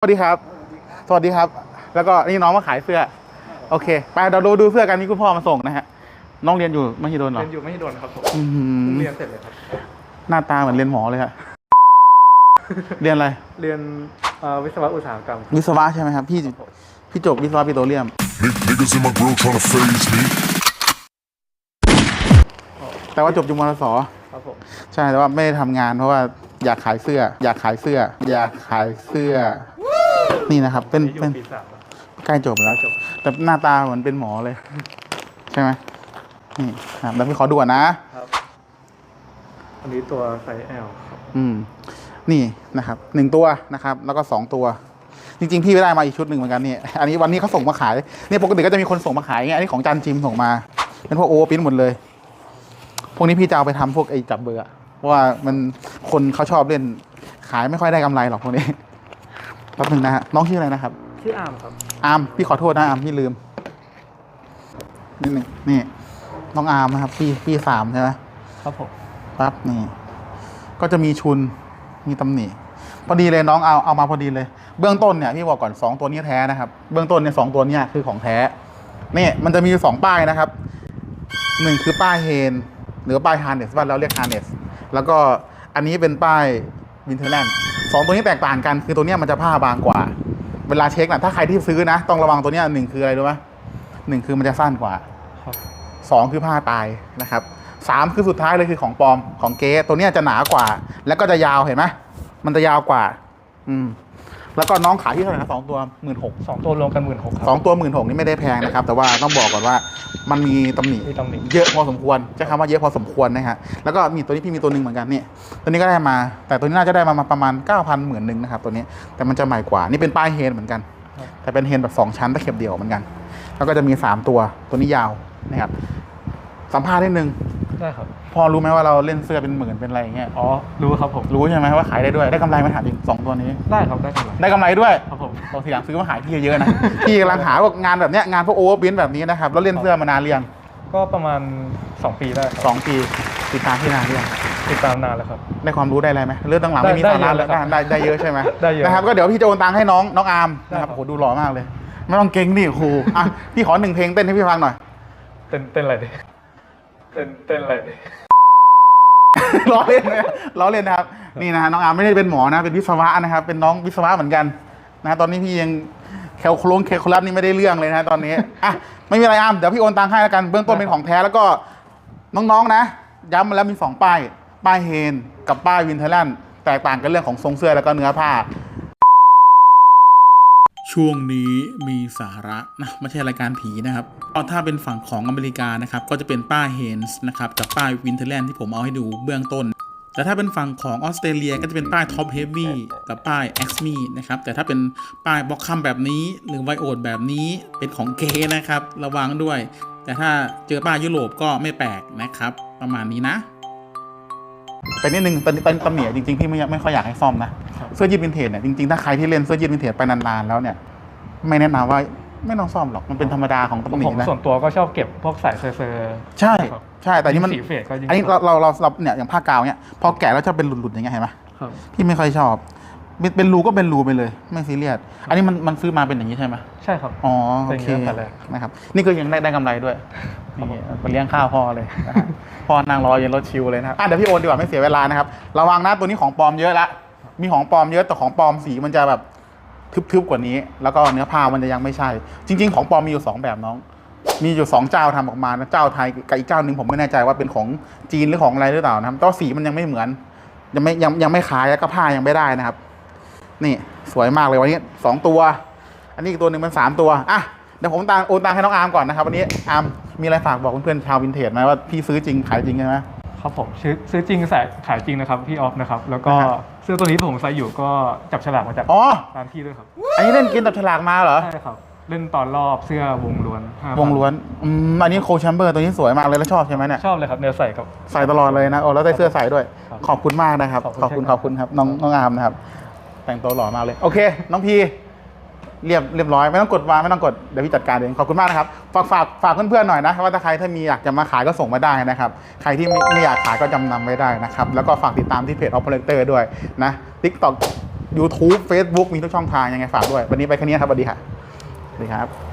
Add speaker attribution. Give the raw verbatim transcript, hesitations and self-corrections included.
Speaker 1: สวัสดีครับสวัสดีครับแล้วก็นี่น้องมาขายเสื้อโอเคไปเราดูดูเสื้อกันนี่คุณพ่อมาส่งนะฮะน้องเรียนอยู่มหิดลเหรอ
Speaker 2: เรียนอยู่ไม่โดนครับผม
Speaker 1: เ
Speaker 2: รียนเสร็จเลยครับ
Speaker 1: หน้าตาเหมือนเรียนหมอเลยฮะเรียนอะไร
Speaker 2: เรียนวิศวะอุตสาหกรรม
Speaker 1: วิศวะใช่ไหมครับพี่พี่จบวิศวะปิโตรเลียมแต่ว่าจบจุฬาส
Speaker 2: ครับผม
Speaker 1: ใช่แต่ว่าไม่ได้ทำงานเพราะว่าอยากขายเสื้ออยากขายเสื้ออยากขายเสื้อนี่นะครับเป็นเป็นใกล้จบแล้วแต่หน้าตาเหมือนเป็นหมอเลยใช่ไหมนี่ครับแล้วพี่ขอดูก่อนนะครับ
Speaker 2: อันนี้ตัวไซส์ L ครับ
Speaker 1: อืมนี่นะครับหนึ่งตัวนะครับแล้วก็สองตัวจริงๆพี่ไม่ได้มาอีกชุดหนึ่งเหมือนกันนี่อันนี้วันนี้เขาส่งมาขายเนี่ยปกติก็จะมีคนส่งมาขายไงอันนี้ของจันจิมส่งมาเป็นพวกโอเวอร์ปิ้นหมดเลยพวกนี้พี่จะเอาไปทำพวกไอ้จับเบอร์เพราะว่ามันคนเขาชอบเล่นขายไม่ค่อยได้กำไรหรอกพวกนี้แป๊บนึงนะฮะน้องชื่ออะไรนะครับ
Speaker 2: ชื่ออาร์มครับ
Speaker 1: อาร์มพี่ขอโทษนะอาร์มพี่ลืมนิดหนึ่งนี่น้องอาร์มนะครับพี่พี่สามใช่ไหม
Speaker 2: ครับผม
Speaker 1: ปั๊บนี่ก็จะมีชุนมีตำหนิพอดีเลยน้องเอาเอามาพอดีเลยเบื้องต้นเนี่ยพี่บอกก่อนสองตัวนี้แท้นะครับเบื้องต้นเนี่ยสองตัวนี้คือของแท้นี่มันจะมีสองป้ายนะครับหนึ่งคือป้ายเฮนหรือป้ายฮาร์เนสบ้านเราเรียกฮาร์เนสแล้วก็อันนี้เป็นป้ายวินเทอร์แลนด์สองตัวนี้แตกต่างกันคือตัวนี้มันจะผ้าบางกว่าเวลาเช็คนะถ้าใครที่ซื้อนะต้องระวังตัวนี้หนึ่งคืออะไรรู้ไหมหนึ่งคือมันจะสั้นกว่าสองคือผ้าตายนะครับสามคือสุดท้ายเลยคือของปลอมของเก๊ตัวนี้จะหนากว่าแล้วก็จะยาวเห็นไหมมันจะยาวกว่าอืมแล้วก็น้องขายที่เท่าไหร่นะสองตัวหมื่นหก
Speaker 2: สองตัวรวมกันหมื่นหก
Speaker 1: สองตัวหมื่นหกนี่ไม่ได้แพงนะครับแต่ว่าต้องบอกก่อนว่ามันมีตำหนิเยอะพอสมควรใช้คำว่าเยอะพอสมควรนะฮะแล้วก็มีตัวนี้พี่มีตัวหนึ่งเหมือนกันนี่ตัวนี้ก็ได้มาแต่ตัวนี้น่าจะได้มาประมาณเก้าพันหมื่นหนึ่งนะครับตัวนี้แต่มันจะใหม่กว่านี่เป็นป้ายเฮนเหมือนกันแต่เป็นเฮนแบบสองชั้นตะเข็บเดี่ยวเหมือนกันแล้วก็จะมีสามตัวตัวนี้ยาวนะครับสัมภาษณ์นิดนึง
Speaker 2: ได้ครับ
Speaker 1: พอรู้ไหมว่าเราเล่นเสื้อเป็นหมื่นเป็นอะไรอย่างเงี้ย
Speaker 2: อ๋อรู้ครับผม
Speaker 1: รู้ใช่ไหมว่าขายได้ด้วยได้กำไรไหมถามจริงสองตัวนี้
Speaker 2: ได้ครับได้กำไร
Speaker 1: ได้กำไรด้วย
Speaker 2: ครับผม
Speaker 1: เราทีหลังซื้อมาขายพี่เยอะๆนะพี่กำลังหาพวกงานแบบเนี้ยงานพวกโอเวอร์บินแบบนี้นะครับแล้วเล่นเสื้อมานานเรียง
Speaker 2: ก็ประมาณสองปีได้
Speaker 1: สองปีติดตามที่นานเรียง
Speaker 2: ติดตามนานแล้วครับ
Speaker 1: ได้ความรู้ได้อะไรไหมเรื่องต่างๆไม่มีสาระแล้วได้ได้เยอะใช่ไหม
Speaker 2: ได้เยอะ
Speaker 1: นะครับก็เดี๋ยวพี่จะโอนตังค์ให้น้องน้องอาร์มนะครับโหดูหล่อมากเลยไม่ต้องเก่งดิครูอ่ะพี่ขอหนึ่งเพลงเต้นให้พี่ฟังหน่อย
Speaker 2: เต้นเต้นอะไรดิเต้นเต้นอะไรดิ
Speaker 1: ล้อเล่นนะล้อเล่นนะครับนี่นะน้องอาร์มไม่ได้เป็นหมอนะเป็นวิศวะนะครับเป็นน้องวิศวะเหมือนกันนะตอนนี้พี่ยังแคลโคลงแคลโคลัสนี่ไม่ได้เรื่องเลยนะตอนนี้อ่ะไม่มีอะไรอาร์มเดี๋ยวพี่โอนตังค์ให้แล้วกันเบื้องต้นเป็นของแท้แล้วก็น้องๆนะย้ำมาแล้วมีสองป้ายป้ายเฮนกับป้ายวินเทอร์แลนด์แตกต่างกันเรื่องของทรงเสื้อแล้วก็เนื้อผ้าช่วงนี้มีสาระนะไม่ใช่รายการผีนะครับถ้าเป็นฝั่งของอเมริกานะครับก็จะเป็นป้ายเฮนส์นะครับกับป้ายวินเทอร์แลนด์ที่ผมเอาให้ดูเบื้องต้นแต่ถ้าเป็นฝั่งของออสเตรเลียก็จะเป็นป้ายท็อปเฮฟวี่กับป้ายแอ็กซ์มีนะครับแต่ถ้าเป็นป้ายบ็อกคัมแบบนี้หรือไวโอดแบบนี้เป็นของเกนะครับระวังด้วยแต่ถ้าเจอป้ายยุโรปก็ไม่แปลกนะครับประมาณนี้นะแต่นิดนึงตอนตำหนิจริงๆพี่ไม่ไม่ค่อยอยากให้ซ่อมนะเสื้อยืดวินเทจเนี่ยจริงๆถ้าใครที่เล่นเสื้อยืดวินเทจไปนานๆแล้วเนี่ยไม่แนะนำว่าไม่ต้องซ่อมหรอกมันเป็นธรรมดาของตำหนินะ
Speaker 2: ส่วนตัวก็ชอบเก็บพวกสายเซอร์
Speaker 1: ใช่ใช่แต่นี่มันอันนี้เราเราเราเนี่ยอย่างผ้ากาวเนี่ยพอแกะแล้วจะเป็นหลุดๆอย่างเงี้ยเห็นไหมพี่ไม่ค่อยชอบเป็นรูก็เป็นรูไปเลยไม่ซีเรียสอันนี้มันมันซื้อมาเป็นอย่างนี้ใช่ไหม
Speaker 2: ใช่ครับ
Speaker 1: อ๋อโอเคนะครับนี่ก็ยังได้ได้กำไรด้วยนี่ไปเลี้ยงข้าวพ่อเลยพ่อนั่งรอเย็นรถชิวเลยนะครับอ่ะเดี๋ยวพี่โอนดีกว่าไม่เสียเวลานะครับระวังนะตัวนี้ของปลอมเยอะละมีของปลอมเยอะแต่ของปลอมสีมันจะแบบทึบๆกว่านี้แล้วก็เนื้อผ้ามันจะยังไม่ใช่จริงๆของปลอมมีอยู่สองแบบน้องมีอยู่สองเจ้าทำออกมานะเจ้าไทยกับอีกเจ้าหนึ่งผมไม่แน่ใจว่าเป็นของจีนหรือของอะไรหรือเปล่านะครับแต่สีมันยังไม่เหมือนยังไม่ยังยังไม่ขายแล้วก็ผ้ายังไม่ได้นะครับนี่สวยมากเลยวันนี้สองตัวอันนี้อีกตัวหนึ่งมันสามตัวอ่ะเดี๋ยวผมตามโอนตังให้น้องอาร์มก่อนนะครับวันนี้อาร์มมีอะไรฝากบอกเพื่อนๆชาววินเทจไหมว่าพี่ซื้อจริงขายจริงใช่ไหม
Speaker 2: ครับผมซื้อซื้อจริงใส่ขายจริงนะครับพี่ออฟนะครับแล้วก็เสื้อตัวนี้ผมใส่อยู่ก็จับฉลากมาจากร้านพี่ด้วยครับ
Speaker 1: อันนี้เล่นเกมจับฉลากมาเหรอ
Speaker 2: ใช่ครับเล่นตอนรอบเสื้อวงล้วน
Speaker 1: วงล้วนอืมอันนี้โคแชมเบอร์ตัวนี้สวยมากเลยแล้วชอบใช่ไหมเนี่ย
Speaker 2: ชอบเลยครับเนื้อใส่กับ
Speaker 1: ใส่ตลอดเลยนะโอ้แล้วได้เสื้อใส่ด้วยขอบคุณมากนะครับขอบคุณขอบคุณครับน้องน้องอาร์มนะครับแต่งตัวหล่อมากเลยโอเคน้องพีเรียบเรียบร้อยไม่ต้องกดวางไม่ต้องกดเดี๋ยวพี่จัดการเองขอบคุณมากนะครับฝากฝากฝากเพื่อนๆหน่อยนะว่าถ้าใครถ้ามีอยากจะมาขายก็ส่งมาได้นะครับใครที่ไม่ไม่อยากขายก็จำนำไว้ได้นะครับแล้วก็ฝากติดตามที่เพจ Operator ด้วยนะ TikTok YouTube Facebook มีทุกช่องทางยังไงฝากด้วย วันนี้ไปแค่นี้ครับสวัสดีค่ะสวัสดีครับ